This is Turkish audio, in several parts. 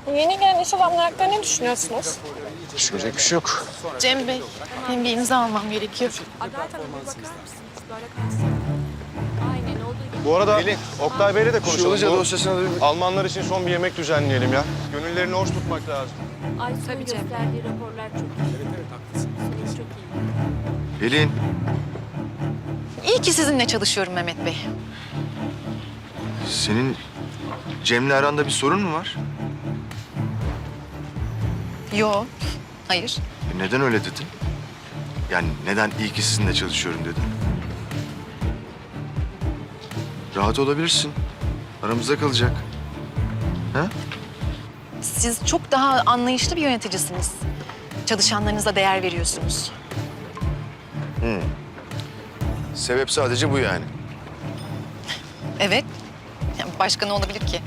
Bu yeni gelen iş adamları hakkında ne düşünüyorsunuz? Düşünecek bir şey yok. Cem Bey, benim bir imza almam gerekiyor. Adalet Hanım bir bakar mısınız? Böyle kalsın. Aynen olduğu gibi. Bu arada Oktay Bey'le de Şu konuşalım. hoca Bu dosyasına da bir... Almanlar için son bir yemek düzenleyelim ya. Gönüllerini hoş tutmak lazım. Aysun'un gösterdiği raporlar çok iyi. Evet, haklısın. Çok iyi. Pelin, İyi ki sizinle çalışıyorum Mehmet Bey. senin Cem'le aranda bir sorun mu var? Yo, hayır. Neden öyle dedin? Yani neden iyi ki sizinle çalışıyorum dedin? Rahat olabilirsin. Aramızda kalacak. Ha? Siz çok daha anlayışlı bir yöneticisiniz. Çalışanlarınıza değer veriyorsunuz. Sebep sadece bu yani. Evet. Yani başka ne olabilir ki?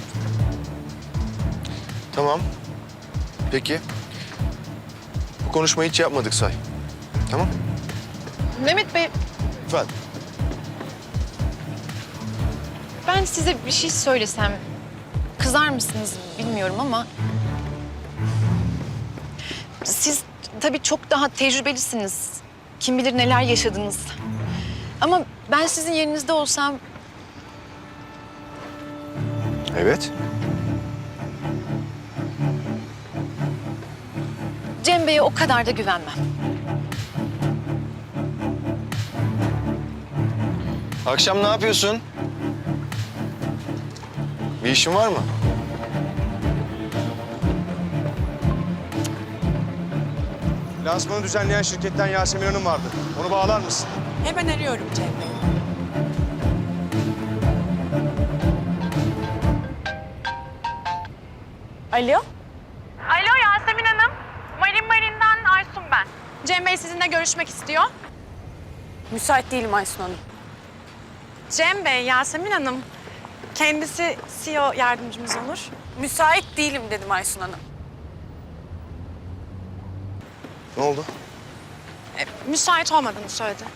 Tamam. Peki. Bu konuşmayı hiç yapmadık say. Tamam? Mehmet Bey, Efendim? ben size bir şey söylesem kızar mısınız bilmiyorum ama... Siz tabii çok daha tecrübelisiniz. Kim bilir neler yaşadınız. Ama ben sizin yerinizde olsam Evet. Cem Bey'e o kadar da güvenmem. Akşam ne yapıyorsun? Bir işin var mı? Lansmanı düzenleyen şirketten Yasemin Hanım vardı. Onu bağlar mısın? Hemen arıyorum Cem Bey. Alo? Alo Yasemin Hanım. Marin'den Aysun ben. Cem Bey sizinle görüşmek istiyor. Müsait değilim Aysun Hanım. Cem Bey, Yasemin Hanım. Kendisi CEO yardımcımız olur. Müsait değilim dedim Aysun Hanım. Ne oldu? Müsait olmadığını söyledi.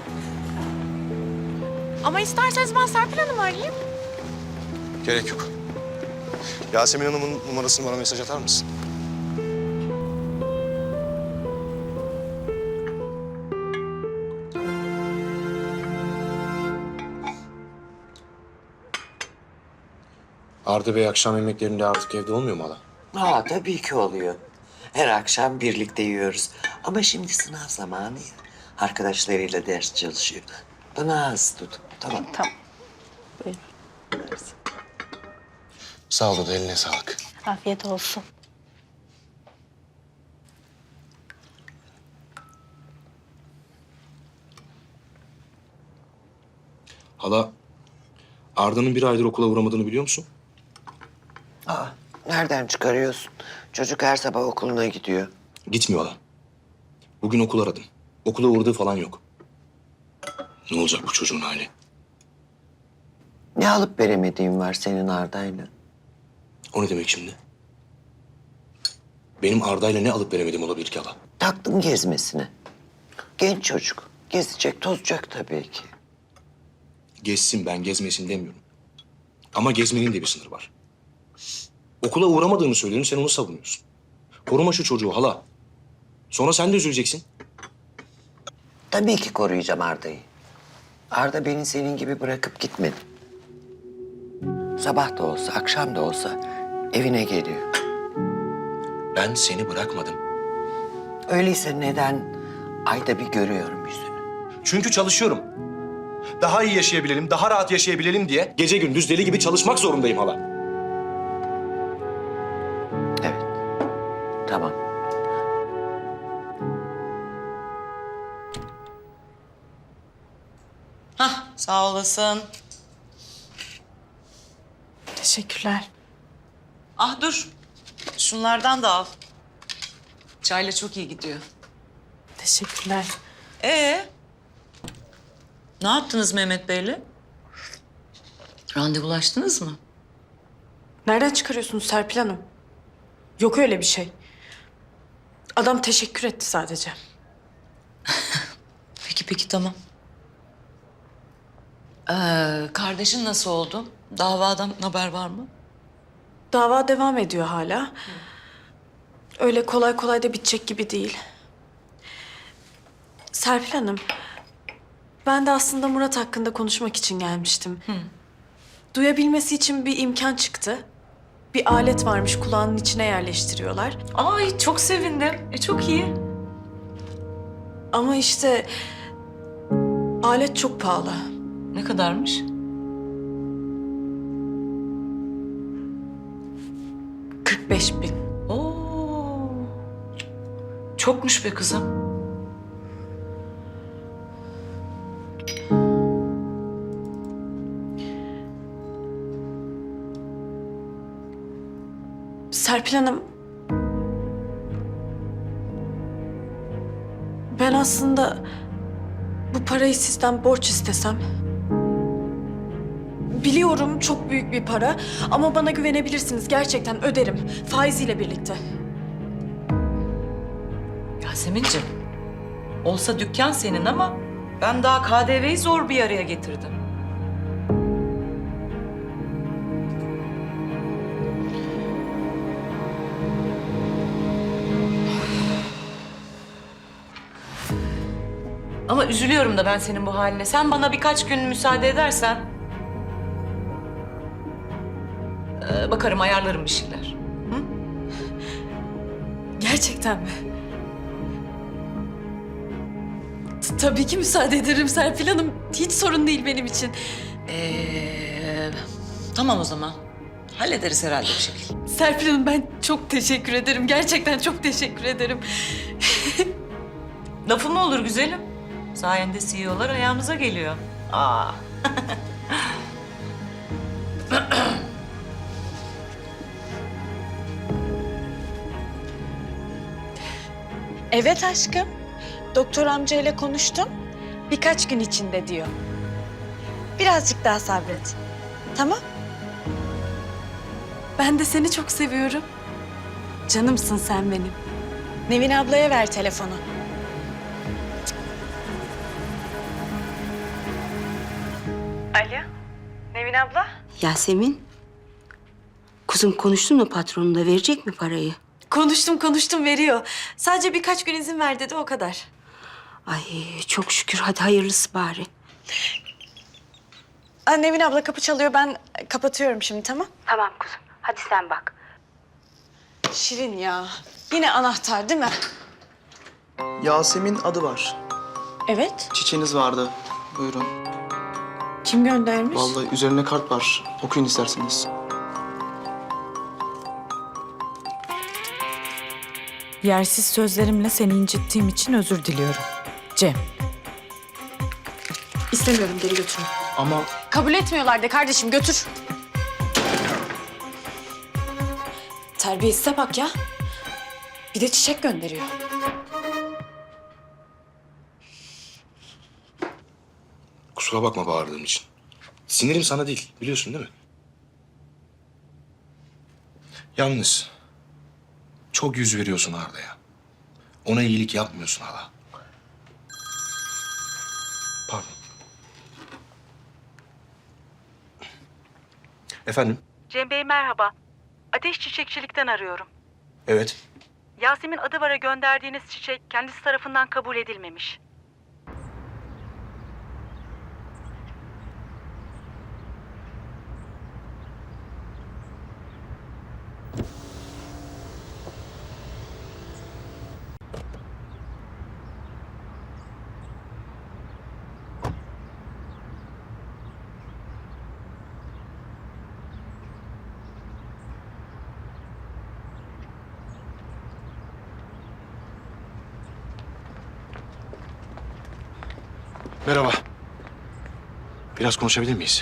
Ama isterseniz ben Serpil Hanım'ı arayayım. Gerek yok. Yasemin Hanım'ın numarasını bana mesaj atar mısın? Arda Bey akşam yemeklerinde artık evde olmuyor mu hala? Tabii ki oluyor. Her akşam birlikte yiyoruz. Ama şimdi sınav zamanı ya. Arkadaşlarıyla ders çalışıyor. Bana az tut. Tamam. Tamam. Sağ ol da eline sağlık. Afiyet olsun. Hala, Arda'nın bir aydır okula uğramadığını biliyor musun? Nereden çıkarıyorsun? Çocuk her sabah okuluna gidiyor. Gitmiyor hala. Bugün okul aradım. Okula uğradığı falan yok. Ne olacak bu çocuğun hali? Ne alıp veremediğin var senin Arda'yla? O ne demek şimdi? Benim Arda'yla ne alıp veremediğim olabilir ki hala? Taktın gezmesine. Genç çocuk. Gezecek, tozacak tabii ki. Gezsin, ben gezmesin demiyorum. Ama gezmenin de bir sınırı var. Okula uğramadığını söylüyorum, sen onu savunuyorsun. Koruma şu çocuğu hala. Sonra sen de üzüleceksin. Tabii ki koruyacağım Arda'yı. Arda beni senin gibi bırakıp gitmedi. Sabah da olsa, akşam da olsa evine geliyor. Ben seni bırakmadım. Öyleyse neden ayda bir görüyorum yüzünü? Çünkü çalışıyorum. Daha iyi yaşayabilelim, daha rahat yaşayabilelim diye gece gündüz deli gibi çalışmak zorundayım hala. Evet. Tamam. Hah, sağ olasın. Teşekkürler. Ah dur, şunlardan da al. Çayla çok iyi gidiyor. Teşekkürler. Ne yaptınız Mehmet Bey'le? Randevulaştınız mı? Nereden çıkarıyorsunuz Serpil Hanım? Yok öyle bir şey. Adam teşekkür etti sadece. Peki tamam. Kardeşin nasıl oldu? Davadan haber var mı? Dava devam ediyor hala. Öyle kolay kolay da bitecek gibi değil. Serpil Hanım, ben de aslında Murat hakkında konuşmak için gelmiştim. Duyabilmesi için bir imkan çıktı. Bir alet varmış, kulağının içine yerleştiriyorlar. Ay çok sevindim. Çok iyi. Ama işte alet çok pahalı. Ne kadarmış? 45.000. Oo. Çokmuş be kızım. Serpil Hanım, ben aslında bu parayı sizden borç istesem. Biliyorum çok büyük bir para ama bana güvenebilirsiniz. Gerçekten öderim. Faiziyle birlikte. Yasemin'ciğim, olsa dükkan senin ama ben daha KDV'yi zor bir araya getirdim. Ama üzülüyorum da ben senin bu haline. Sen bana birkaç gün müsaade edersen... bakarım, ayarlarım bir şeyler. Gerçekten mi? Tabii ki müsaade ederim Serpil Hanım. Hiç sorun değil benim için. Tamam o zaman. Hallederiz herhalde bir şekilde. Serpil Hanım, ben çok teşekkür ederim. Gerçekten çok teşekkür ederim. Lafı mı olur güzelim? Sayende CEO'lar ayağımıza geliyor. Aa. Evet aşkım. Doktor amcayla konuştum. Birkaç gün içinde diyor. Birazcık daha sabret. Tamam? Ben de seni çok seviyorum. Canımsın sen benim. Nevin ablaya ver telefonu. Alo, Nevin abla? Yasemin, kuzum konuştun mu patronunla, verecek mi parayı? Konuştum veriyor. Sadece birkaç gün izin ver dedi, o kadar. Ay çok şükür, hadi hayırlısı bari. Nevin abla kapı çalıyor, ben kapatıyorum şimdi, tamam? Tamam kuzum, hadi sen bak. Şirin ya. Yine anahtar değil mi? Yasemin adı var. Evet. Çiçeğiniz vardı. Buyurun. Kim göndermiş? Vallahi üzerine kart var. Okuyun isterseniz. Yersiz sözlerimle seni incittiğim için özür diliyorum. Cem. İstemiyorum, geri götürün. Ama Kabul etmiyorlar de kardeşim, götür. Terbiyesize bak ya. Bir de çiçek gönderiyor. Kusura bakma bağırdığım için. Sinirim sana değil, biliyorsun değil mi? Yalnız çok yüz veriyorsun Arda'ya. Ona iyilik yapmıyorsun hala. Pardon. Efendim? Cem Bey merhaba. Ateş Çiçekçilik'ten arıyorum. Evet. Yasemin Adıvar'a gönderdiğiniz çiçek kendisi tarafından kabul edilmemiş. Merhaba. Biraz konuşabilir miyiz?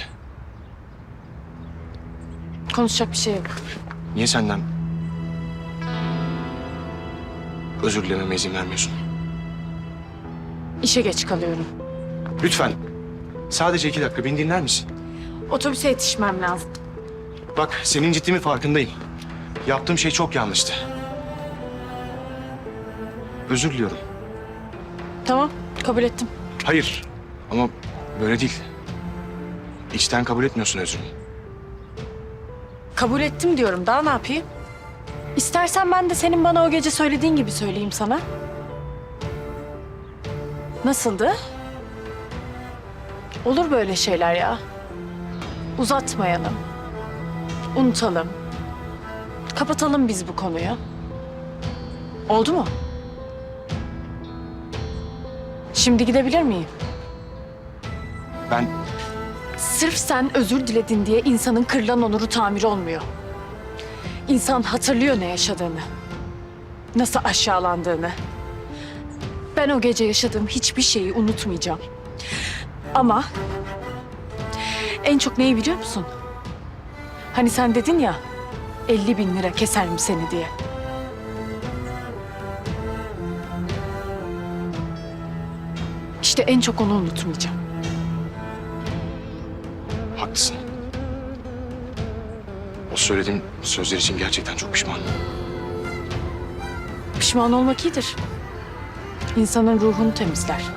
Konuşacak bir şey yok. Niye senden özür dilememe izin vermiyorsun? İşe geç kalıyorum. Lütfen. Sadece 2 dakika beni dinler misin? Otobüse yetişmem lazım. Bak senin ciddiğimin farkındayım. Yaptığım şey çok yanlıştı. Özür diliyorum. Tamam, kabul ettim. Hayır ama böyle değil. İçten kabul etmiyorsun özrümü. Kabul ettim diyorum. Daha ne yapayım? İstersen ben de senin bana o gece söylediğin gibi söyleyeyim sana. Nasıldı? Olur böyle şeyler ya. Uzatmayalım. Unutalım. Kapatalım biz bu konuyu. Oldu mu? Şimdi gidebilir miyim? Ben Sırf sen özür diledin diye insanın kırılan onuru tamir olmuyor. İnsan hatırlıyor ne yaşadığını. Nasıl aşağılandığını. Ben o gece yaşadığım hiçbir şeyi unutmayacağım. Ama en çok neyi biliyor musun? Hani sen dedin ya 50.000 lira keserim seni diye. İşte en çok onu unutmayacağım. haklısın. O söylediğin sözler için gerçekten çok pişmanım. Pişman olmak iyidir. İnsanın ruhunu temizler.